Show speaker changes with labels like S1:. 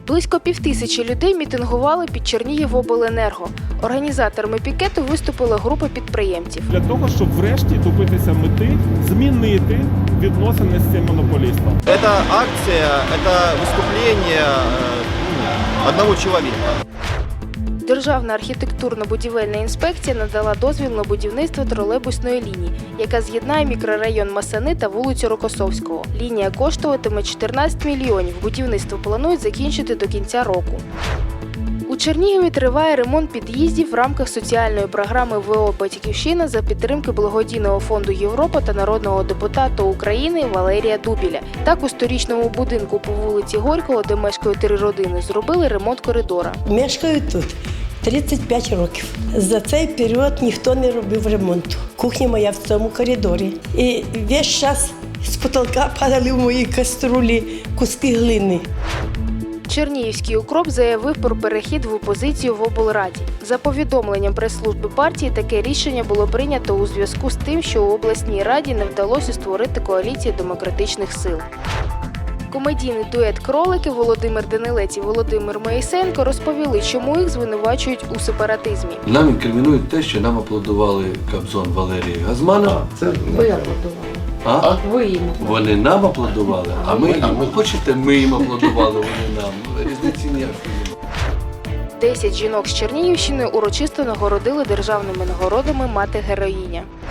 S1: Близько 5000 людей мітингували під Чернігівобленерго. Організаторами пікету виступила група підприємців.
S2: Для того, щоб врешті добитися мети, змінити відносини з цим монополістом.
S3: Эта акция, это выступление одного человека.
S1: Державна архітектурно-будівельна інспекція надала дозвіл на будівництво тролейбусної лінії, яка з'єднає мікрорайон Масани та вулицю Рокосовського. Лінія коштуватиме 14 мільйонів. Будівництво планують закінчити до кінця року. У Чернігові триває ремонт під'їздів в рамках соціальної програми ВО «Батьківщина» за підтримки благодійного фонду «Європа» та народного депутата України Валерія Дубіля. Так, у 100-річному будинку по вулиці Горького, де мешкають 3 родини, зробили ремонт коридора.
S4: Мешкаю тут 35 років. За цей період ніхто не робив ремонту. Кухня моя в цьому коридорі. І весь час з потолка падали в мої каструлі куски глини.
S1: Чернігівський укроп заявив про перехід в опозицію в облраді. За повідомленням прес-служби партії, таке рішення було прийнято у зв'язку з тим, що у обласній раді не вдалося створити коаліцію демократичних сил. Комедійний дует «Кролики» Володимир Данилець і Володимир Моїсеєнко розповіли, чому їх звинувачують у сепаратизмі.
S5: Нам інкримінують те, що нам аплодували Кобзон Валерії Газманова.
S6: Ви аплодували.
S5: А?
S6: Ви їм.
S5: Вони нам аплодували, а ми їм. Хочете, ми їм аплодували, вони нам. Різниці ніякої.
S1: 10 жінок з Чернігівщини урочисто нагородили державними нагородами «Мати-героїня».